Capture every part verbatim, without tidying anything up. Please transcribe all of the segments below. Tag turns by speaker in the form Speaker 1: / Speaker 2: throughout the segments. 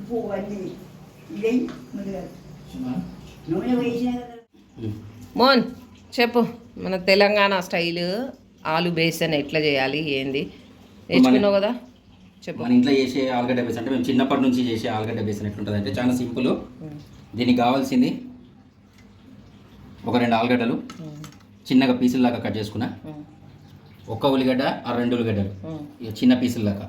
Speaker 1: ఉప్పు అన్నీ ఇదే ముందుగా నూనె వేసినా కదా.
Speaker 2: మోహన్ చెప్పు, మన తెలంగాణ స్టైల్ ఆలు బేసన్ ఎట్లా చేయాలి ఏంది నేర్చుకున్నావు కదా చెప్పు.
Speaker 3: మన ఇంట్లో చేసే ఆలుగడ్డ బేసన్ అంటే మేము చిన్నప్పటి నుంచి చేసే ఆలుగడ్డ బేసన్ ఎట్లుంటుంది అంటే చాలా సింపుల్. దీనికి కావాల్సింది ఒక రెండు ఆలుగడ్డలు చిన్నగా పీసుల్లాగా కట్ చేసుకున్నా, ఒక్క ఉల్లిగడ్డ ఆ రెండు ఉల్లిగడ్డలు చిన్న పీసుల్లాగా,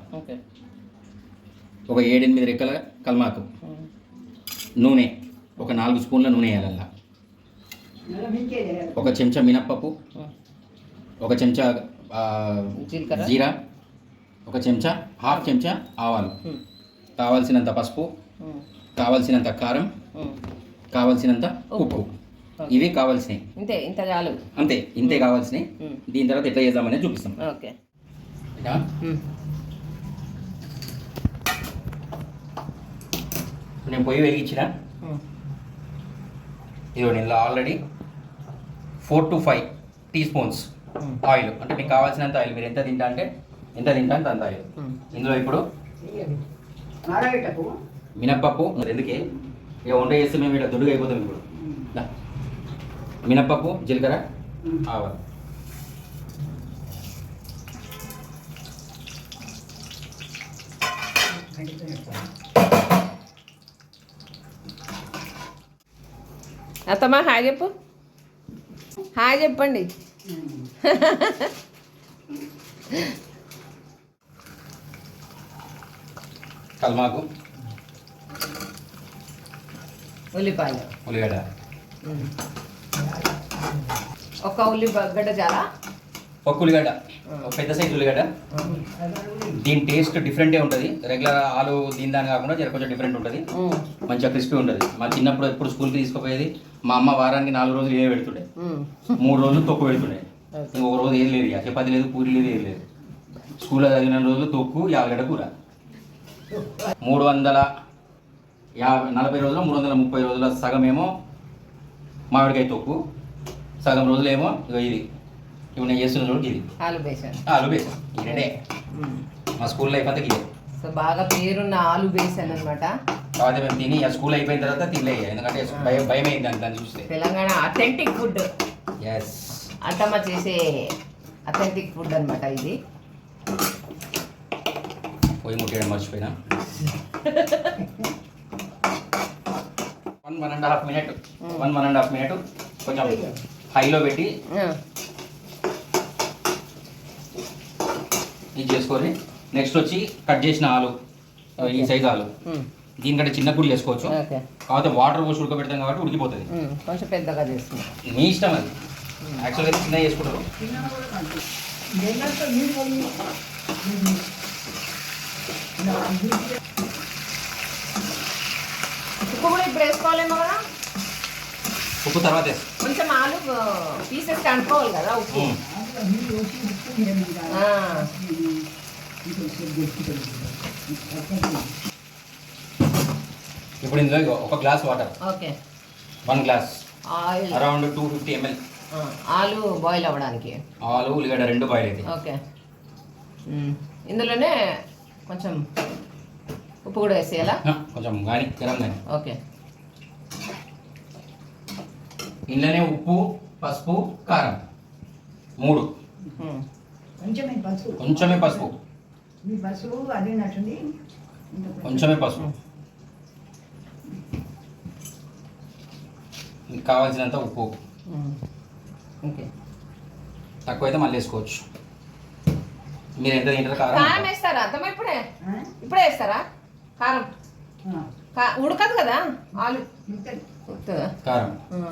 Speaker 3: ఒక ఏడెనిమిది రెక్కల కల్మాకు, నూనె ఒక నాలుగు స్పూన్ల నూనె వేయాలల్లా, ఒక చెంచా మినప్పప్పు, ఒక చెంచా జీరా, ఒక చెంచా హాఫ్ చెంచా ఆవాలు, కావాల్సినంత పసుపు, కావాల్సినంత కారం, కావాల్సినంత ఉప్పు. ఇవి కావాల్సినవి.
Speaker 2: ఇంతే, ఇంత చాలు.
Speaker 3: అంతే, ఇంతే కావాల్సినవి. దీని తర్వాత ఎట్లా చేద్దామనేది చూపిస్తాం.
Speaker 2: ఓకే.
Speaker 3: నేను పొయ్యి వెలిగించిన ఇదిగో నేను already four to five teaspoons oil, అంటే మీకు కావాల్సినంత ఆయిల్, మీరు ఎంత తింటా అంటే ఎంత తింటా అంటే అంత ఆయిల్. ఇందులో ఇప్పుడు మినప్పప్పు, ఎందుకే ఇక వంట చేస్తే మేము ఇక్కడ దొడ్డుగా అయిపోతాం. ఇప్పుడు మినప్పప్పు, జీలకర్ర, ఆవాలు,
Speaker 2: అత్తమ్మా హాయ్ చెప్పు, హాయ్ చెప్పండి.
Speaker 3: కల్మాకు,
Speaker 2: ఉల్లిపాయలు,
Speaker 3: ఉల్లిగడ్డ,
Speaker 2: ఒక ఉల్లిగడ్డ చాలా,
Speaker 3: ఒక ఉల్లిగడ్డ, ఒక పెద్ద సైజు ఉల్లిగడ్డ. దీని టేస్ట్ డిఫరెంటే ఉంటుంది. రెగ్యులర్ ఆలు దీని దాని కాకుండా జర కొంచెం డిఫరెంట్ ఉంటుంది, మంచిగా క్రిస్పీ ఉంటుంది. మా చిన్నప్పుడు ఎప్పుడు స్కూల్కి తీసుకుపోయేది మా అమ్మ వారానికి నాలుగు రోజులు ఏ పెడుతుండే, మూడు రోజులు తొక్కు పెడుతుండే, ఇంకొక రోజు ఏది లేదు, ఇక చపాతి లేదు, పూరి లేదు, ఏది లేదు. స్కూల్లో చదివిన రోజులు తొక్కు యాలగడ్డ కూర. మూడు వందల యాభై నలభై రోజులు మూడు వందల ముప్పై రోజుల సగమేమో మామిడికాయ తొక్కు, సగం రోజులేమో ఇక ఇది ఇప్పుడు నేను చేస్తున్న రోజు ఇది
Speaker 2: ఆలు బేసన్.
Speaker 3: ఆలు బేసన్ ఈ రెండే మా స్కూల్ లైఫ్ అంతా ఇదే.
Speaker 2: సో బాగా పేరున్న ఆలు బేసన్ అనమాట.
Speaker 3: కాకపోతే మేము తిని స్కూల్ అయిపోయిన తర్వాత తినలే, ఎందుకంటే భయం భయం అయింది దాన్ని దాన్ని చూస్తే.
Speaker 2: తెలంగాణ అథెంటిక్ ఫుడ్,
Speaker 3: ఎస్
Speaker 2: అత్తమ్మ చేసే అథెంటిక్ ఫుడ్ అనమాట ఇది.
Speaker 3: పొయ్యి ముట్టేయడం మర్చిపోయినా. One one and half minute one one and half minute కొంచెం హైలో పెట్టి ఇది చేసుకొని నెక్స్ట్ వచ్చి కట్ చేసిన ఆలు, ఈ సైజు ఆలు, దీనికంటే చిన్న కూడా చేసుకోవచ్చు. కాకపోతే వాటర్ పోసి ఉడకబెడతాం కాబట్టి ఉడికిపోతుంది.
Speaker 2: కొంచెం పెద్దగా చేస్తున్నాం,
Speaker 3: మీ ఇష్టం అది. యాక్చువల్గా చిన్న చేసుకుంటారు.
Speaker 2: ఉప్పు కూడా ఇప్పుడు వేసుకోవాలేమో కదా.
Speaker 3: ఉప్పు తర్వాత
Speaker 2: కొంచెం ఆలు పీసెస్ కనుక్కోవాలి కదా ఉప్పు.
Speaker 3: ఇప్పుడు ఇందులో ఒక glass water,
Speaker 2: okay,
Speaker 3: one glass
Speaker 2: oil,
Speaker 3: around two fifty ML
Speaker 2: ఆలు బాయిల్ అవ్వడానికి.
Speaker 3: ఆలు ఉల్లిగడ్డ రెండు బాయిల్ అయితే
Speaker 2: ఓకే. ఇందులోనే కొంచెం ఉప్పు కూడా వేసేయాలా,
Speaker 3: కొంచెం కానీ గరం కానీ.
Speaker 2: ఓకే.
Speaker 3: ఇందులోనే ఉప్పు, పసుపు, కారం మూడు,
Speaker 1: కొంచెమే పసుపు,
Speaker 3: కొంచెమే పసుపు,
Speaker 1: మీ పసుపు అదే నచ్చింది,
Speaker 3: కొంచెమే పసుపు, కావాల్సినంత ఉప్పు.
Speaker 2: ఓకే,
Speaker 3: తక్కువైతే మళ్ళీ వేసుకోవచ్చు. మీరు ఎంత తింటారు? కారం
Speaker 2: కారం వేస్తారా అత్తమ్మ? ఇప్పుడే ఇప్పుడే వేస్తారా కారం? ఉడకదు కదా ఆలు,
Speaker 3: కారం.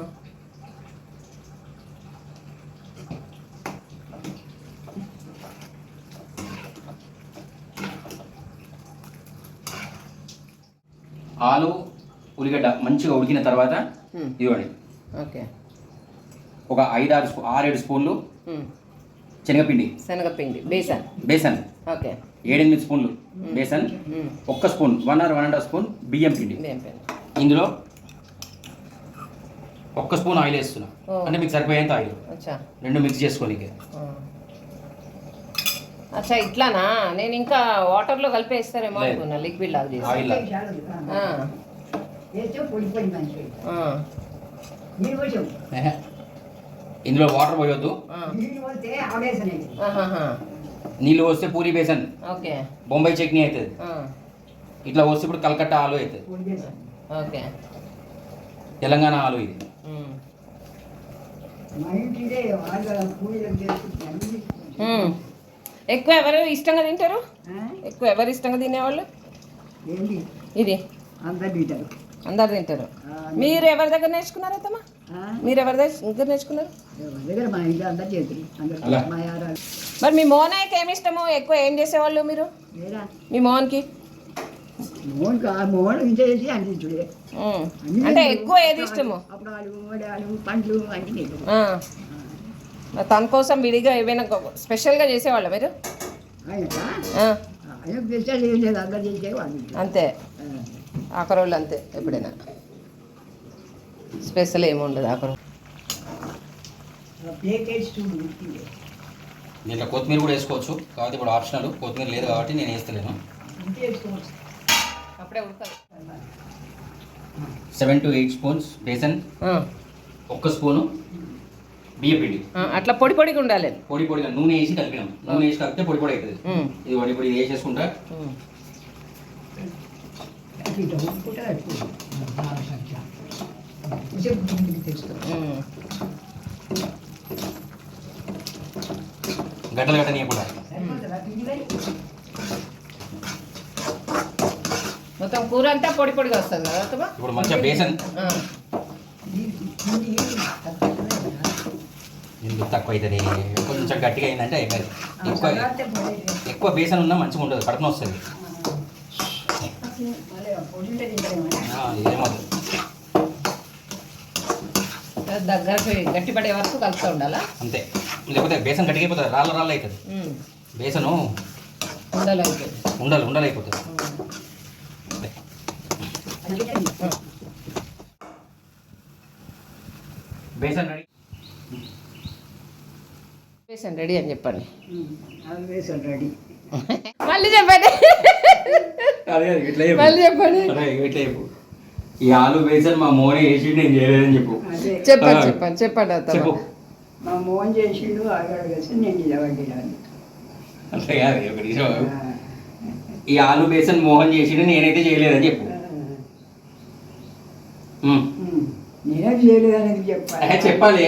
Speaker 3: ఆలు ఉల్లిగడ్డ మంచిగా ఉడికిన తర్వాత ఇవ్వండి,
Speaker 2: ఓకే,
Speaker 3: ఒక ఐదు ఆరు స్పూ ఆరేడు స్పూన్లు శనగపిండి,
Speaker 2: శనగపిండి బేసన్,
Speaker 3: బేసన్
Speaker 2: ఓకే,
Speaker 3: ఏడెనిమిది స్పూన్లు బేసన్, ఒక్క spoon one or one and half spoon బియ్యం పిండి. ఇందులో ఒక్క స్పూన్ ఆయిల్ వేస్తున్నా, అంటే మీకు సరిపోయేంత ఆయిల్, రెండు మిక్స్ చేసుకోనికి.
Speaker 2: అచ్చా ఇట్లానా? నేను ఇంకా వాటర్లో కలిపేస్తారేమో
Speaker 3: లేదు.
Speaker 2: అనుకున్నా, లిక్విడ్ లాగా చేసి.
Speaker 3: ఆయిల్ లాగా.
Speaker 2: ఆ,
Speaker 1: వేస్తే పొడి పొడి మంచిగా
Speaker 2: ఆ,
Speaker 1: నీళ్ళు పోసావు
Speaker 3: ఏహే. ఇందులో వాటర్ పోయొద్దు.
Speaker 2: ఆ.
Speaker 1: నీళ్ళు పోతే ఆవేశం అవుతుంది.
Speaker 2: ఆహాహా.
Speaker 3: నీళ్ళు పోస్తే పూరి బేసన్,
Speaker 2: ఓకే.
Speaker 3: బొంబాయి చట్నీ అవుతుంది.
Speaker 2: ఆ,
Speaker 3: ఇట్లా పోస్తే ఇప్పుడు కలకత్తా ఆలు అవుతుంది.
Speaker 1: పొడి చేస్తాం
Speaker 2: ఓకే.
Speaker 3: తెలంగాణ ఆలు ఇది.
Speaker 2: ఉమ్.
Speaker 1: మా ఇంటిదే వాళ్ళు పూజలకు చేసుకుంటాను.
Speaker 2: ఉమ్. ఎక్కువ ఎవరు ఇష్టంగా తింటారు?
Speaker 1: ఆ?
Speaker 2: ఎక్కువ ఎవరు ఇష్టంగా తినేవాళ్ళు?
Speaker 1: ఏంటి
Speaker 2: ఇది
Speaker 1: అందరు తింటారు.
Speaker 2: అందరు తింటారు. మీరు ఎవరి దగ్గర నేర్చుకున్నారు అత్తమ్మా?
Speaker 1: ఆ?
Speaker 2: మీరు ఎవరి దగ్గర నేర్చుకున్నారు?
Speaker 1: ఎవరి దగ్గర మా ఇంట్లో అందరు చేతులు అందరు
Speaker 3: అలా.
Speaker 1: మా యారాలు
Speaker 2: మరి మీ మోనాయకి ఏమి ఇష్టమో, ఎక్కువ ఏం చేసేవాళ్ళు మీరు
Speaker 1: లేదా
Speaker 2: మీ మోహన్కి?
Speaker 1: మోహన్ కా మోహన్ ఇంత చేసి అందించుడే
Speaker 2: ఉమ్. అంటే ఎక్కువ ఏది ఇష్టము?
Speaker 1: అప్పుడు వడాలు పండ్లు అన్ని తింటారు.
Speaker 2: ఆ. మరి తన కోసం విడిగా ఏమైనా స్పెషల్గా చేసేవాళ్ళ మీరు?
Speaker 1: ఆయనకా
Speaker 2: ఆ,
Speaker 1: ఆయన స్పెషల్ ఏం లేదు అందరు చేసే వాళ్ళు
Speaker 2: అంతే. ఆఖరోళ్ళు అంతే ఎప్పుడైనా స్పెషల్ ఏమి ఉండదు ఆఖరు.
Speaker 1: ప్లేటెడ్స్ చూడు
Speaker 3: దీంట్లో కొత్తిమీర కూడా వేసుకోవచ్చు, కాబట్టి ఇప్పుడు ఆప్షనల్. కొత్తిమీర లేదు కాబట్టి నేను వేస్తలేను.
Speaker 1: ఇంటి వేసుకోవచ్చు.
Speaker 2: అప్పుడే ఉడకాలి.
Speaker 3: సెవెన్ టు ఎయిట్ స్పూన్స్ బేసన్,
Speaker 2: ఆ,
Speaker 3: ఒక్క స్పూను బియ్య పిండి.
Speaker 2: ఆ, అట్లా పొడి పొడిగా ఉండాలి.
Speaker 3: పొడి పొడిగా నూనె వేసి కలిపినాం. నూనె వేసి కలిపితే పొడి పొడి అవుతుంది.
Speaker 2: ఉమ్,
Speaker 3: ఇది పొడి పొడి ఇది వేసేసుకుంటా.
Speaker 2: ఉమ్.
Speaker 1: ఇట్లా ఉప్పుకుంటే కట్టుకో. బాగా సంఖ్య. కొంచెం ఇంటికి తెచ్చుకో.
Speaker 2: ఉమ్.
Speaker 3: గడ్డలు గడ్డ నీయకుండా.
Speaker 1: సరిపోతుందా పిండి మరి?
Speaker 2: మొత్తం కూర అంతా పొడి పొడిగా వస్తుంది కదా అత్తమ్మా?
Speaker 3: ఇప్పుడు మంచిగా బేసన్
Speaker 2: ఆ,
Speaker 1: ఈ పిండి తక్కువ
Speaker 3: ఎందుకు తక్కువ అవుతుంది, కొంచెం గట్టిగా అయిందంటే అయిపోయింది. ఎక్కువ
Speaker 1: చల్లారితే పొడి
Speaker 3: ఎక్కువ బేసన్ ఉన్నా మంచిగా ఉండదు, కడుపున వస్తుంది.
Speaker 1: మళ్ళీ పొడి ఉంటే తింటారేమో.
Speaker 3: ఆ, ఇదేమవుతుంది.
Speaker 2: దగ్గరకు గట్టిపడే వరకు కలుపుతూ ఉండాలా?
Speaker 3: అంతే, లేకపోతే బేసన్ గట్టిగా అయిపోతుంది, రాళ్ళ రాళ్ళు అవుతుంది.
Speaker 2: ఉమ్.
Speaker 3: బేసను
Speaker 2: ఉండాలి అయితే.
Speaker 3: ఉండాలి ఉండాలి అయిపోతుంది. బేసన్ రెడీ.
Speaker 2: బేసన్ రెడీ అని చెప్పండి.
Speaker 1: అది వేసాను రెడీ.
Speaker 2: మళ్ళీ చెప్పండి.
Speaker 3: అదే ఇట్లా
Speaker 2: మళ్ళీ చెప్పండి.
Speaker 3: అదే ఇట్లా చెప్పు. ఈ ఆలు బేసన్ మా మోనే వేసి నేను చేయలేదని చెప్పు.
Speaker 1: అదే
Speaker 2: చెప్పండి
Speaker 3: ఆ.
Speaker 2: చెప్పండి చెప్పండి అత్తమ్మ.
Speaker 3: చెప్పు.
Speaker 1: మా మోహన్ చేసిండు ఆగాడు వేసి నేను నిలబడ్డాను.
Speaker 3: అంతే కాదు, ఒక నిమిషం. ఈ ఆలు బేసన్ మోహన్ చేసిండు, నేనైతే చేయలేదని చెప్పు. ఉమ్.
Speaker 1: నేనేం చేయలేదని చెప్పాలి.
Speaker 3: ఏ, చెప్పాలి.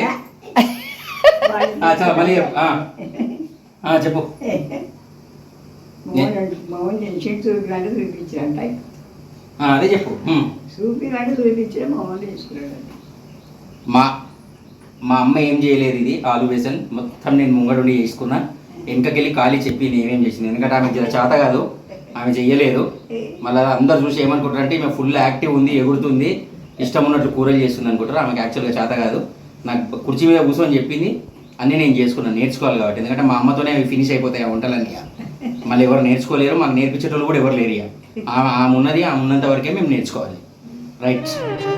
Speaker 3: ఆ, చాలా మళ్ళీ చెప్పు. ఆ. ఆ, చెప్పు.
Speaker 1: మోహన్ అంటే- మోహన్ చేసిండు చూపిలాంటి చూపించారంట.
Speaker 3: ఆ, అదే చెప్పు. ఉమ్.
Speaker 1: చూపిలాంటి చూపించే మోహన్ తీసుకున్నాడు.
Speaker 3: మా మా అమ్మ ఏం చేయలేదు, ఇది ఆలు బేసన్ మొత్తం నేను ముంగడుండి చేసుకున్నా. వెనకకెళ్ళి ఖాళీ చెప్పి నేనేం చేసింది, ఎందుకంటే ఆమె జర చేత కాదు, ఆమె చెయ్యలేదు. మళ్ళీ అందరు చూసి ఏమనుకుంటారంటే ఈమె ఫుల్ యాక్టివ్ ఉంది, ఎగురుతుంది, ఇష్టం ఉన్నట్లు కూరలు చేస్తుంది అనుకుంటారు. ఆమెకి యాక్చువల్గా చేత కాదు. నాకు కుర్చీ మీద కూర్చొని చెప్పింది, అన్నీ నేను చేసుకున్నాను, నేర్చుకోవాలి కాబట్టి. ఎందుకంటే మా అమ్మతోనే అవి ఫినిష్ అయిపోతాయి ఆ వంటలన్నీ. మళ్ళీ ఎవరు నేర్చుకోలేరు, మాకు నేర్పించేటోళ్ళు కూడా ఎవరు లేరు. ఇక ఆమె ఆమె ఉన్నది ఆమె ఉన్నంత వరకే మేము నేర్చుకోవాలి. రైట్.